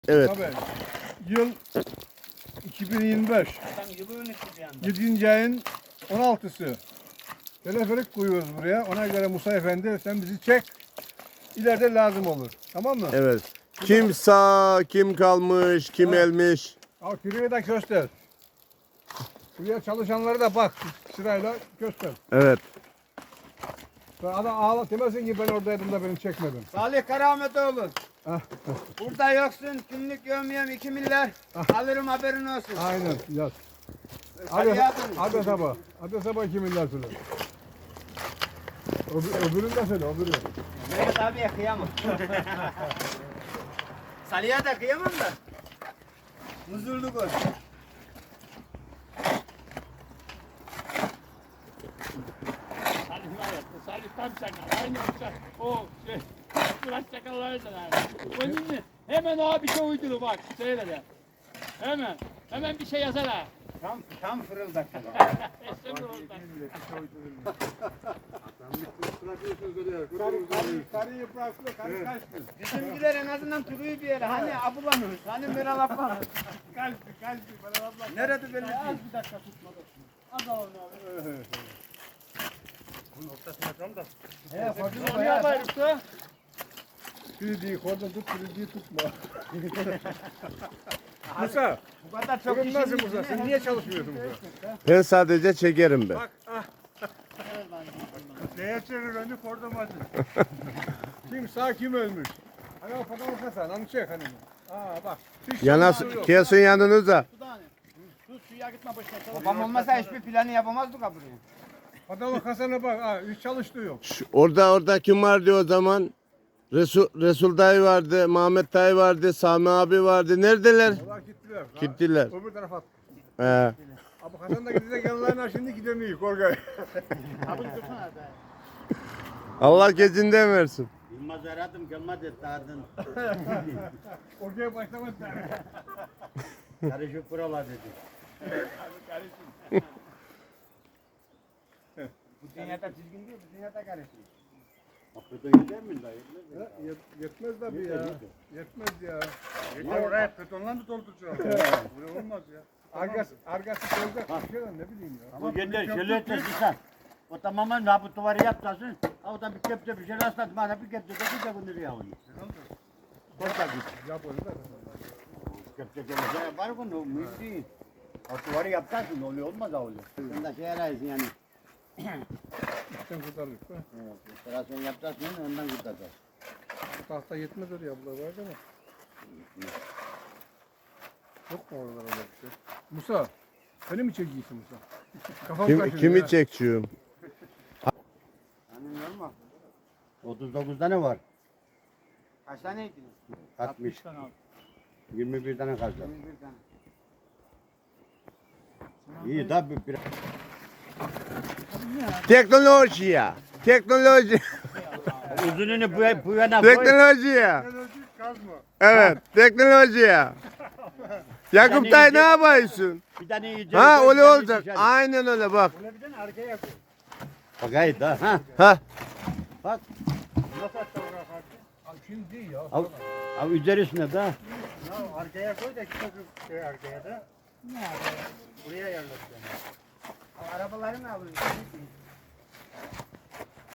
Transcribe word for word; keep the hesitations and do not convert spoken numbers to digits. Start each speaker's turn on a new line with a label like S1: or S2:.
S1: Evet.
S2: Tabii. Yıl iki bin yirmi beş. yedinci ayın on altısı. Teleferik koyuyoruz buraya. Ona göre Musa Efendi sen bizi çek. İleride lazım olur. Tamam mı?
S1: Evet. Kim sağ, kim kalmış, kim
S2: Evet.
S1: elmiş.
S2: Al kürüğü de göster. Buraya çalışanları da bak sırayla göster.
S1: Evet.
S2: Sonra adam ağla demesin ki ben oradaydım da beni çekmedin.
S3: Salih Karahametoğlu.
S2: Ah,
S3: Burada yoksun. Günlük gömüyorum iki milyar. Alırım haberin olsun.
S2: aynen yaz.
S3: Hadi
S2: Hadi,
S3: yazın.
S2: hadi sabah. Hadi sabah iki milyar söyle. Öbür, öbürünü de söyle öbürünü.
S3: Mehmet abiye kıyamam. Salih'e de kıyamam da. Huzurlu gol.
S4: Salih var ya, Salih tam çakal. Aynı uçak. O şey, Murat çakallardan abi. Onun için hemen o bir şey uydurur bak. Söyle de. Hemen. Hemen bir şey yazar ha.
S3: Tam, tam fırıldak.
S4: Eşek orada.
S2: Karı yıpraklı, karı kaçtı.
S3: Bizimkiler en azından duruyor bir yere. Hani abulanır. Hani Meral abla.
S2: Kaçtı, kaçtı. Bana abla.
S3: Nerede belli değil.
S4: Az bir dakika tutmadı. Az al onu abi.
S3: He, fırtına
S4: Onu yaparız da.
S2: Kürüdüğü korda tut, kürüdüğü tutma. Musa,
S3: Bu kadar çok
S2: bugün nasıl
S3: işin
S2: Musa? Sen niye çalışmıyorsun Musa?
S1: Ben sadece çekerim ben.
S2: Bak, ah. Neye çevir önü kordamacı. Kim sağ kim ölmüş? Hani o fotoğraf Hasan, onu çek hani. Aa bak. Hiç
S1: Yana
S2: şansı yok.
S1: kesin yanınıza.
S4: Sus suya gitme boşuna. çalış.
S3: Babam olmasa hiçbir planı yapamazdık ha buraya.
S2: Fotoğraf Hasan'a bak, ha, hiç çalıştığı yok.
S1: Şu- Orada orada kim vardı o zaman? Resul, Resul dayı vardı, Mehmet dayı vardı, Sami abi vardı. Neredeler?
S2: Onlar gittiler. Ha,
S1: Gittiler.
S2: Öbür tarafa at.
S1: He.
S2: Abi Hasan da gidecek yanlarına şimdi gidemiyor Korkay.
S4: Abi dursana be.
S1: Allah gecinden versin.
S5: Yılmaz aradım gelmedi dağırdın.
S2: Korkay'a başlamadı.
S5: Karışık buralar dedi.
S3: Bu dünyada düzgün değil, bu dünyada karışıyor.
S5: Hakikaten gider mi dayı?
S2: Yet- Yetmez tabii ya. Yetmez ya.
S5: Yeter
S2: oraya betonla mı dolduracağız? Buraya olmaz ya. Argası, argası koyacak bir şey var, ne bileyim ya.
S5: Bu yeter şöyle etmesin sen. O tamamen ha bu duvarı yapacaksın. Ha o da bir kepçe bir şey rastladım. Bana bir kepçe de bir de bunu ya onu. Korkak git.
S2: Yap onu da.
S5: Kepçe gelince var bunu mühim değil. O duvarı yapacaksın oluyor olmaz ha oluyor. Sen de şey arayısın yani.
S2: İşten kurtarırız. Ha.
S5: Evet, operasyon yapacaksın ondan kurtaracaksın.
S2: Bu tahta yetmez oraya abla var ama. Yok mu oralara öyle bir şey? Musa, seni mi çekiyorsun Musa? Kafam
S1: Kim,
S2: kaşınıyor
S1: kimi
S2: ha.
S1: çekçiyim?
S3: Hani normal.
S5: otuz dokuz tane var.
S3: Kaç tane ektiniz?
S5: altmış.
S4: Tane al.
S5: yirmi bir tane kaldı.
S3: yirmi bir tane.
S5: İyi tabii bir
S1: Teknoloji ya. Teknoloji.
S5: uzununu bu, bu yana koy.
S1: Teknoloji ya.
S2: Teknolojik kazma.
S1: Evet. Teknoloji ya. Yakup dayı ne yapıyorsun?
S5: Bir tane iyice.
S1: Ha
S5: koy, bir
S1: öyle
S5: tane
S1: olacak.
S5: dışarı.
S1: Aynen öyle bak.
S2: Böyle bir tane arkaya koy.
S5: Bak gayet ha. Ha.
S1: Ha.
S5: Bak.
S2: Nasıl hatta bırak artık? Abi şimdi değil ya.
S5: Al, al üzerisine de.
S2: Ya arkaya koy da işte şey arkaya da. Buraya yerleştir.
S3: Arabaları mı alıyorsun?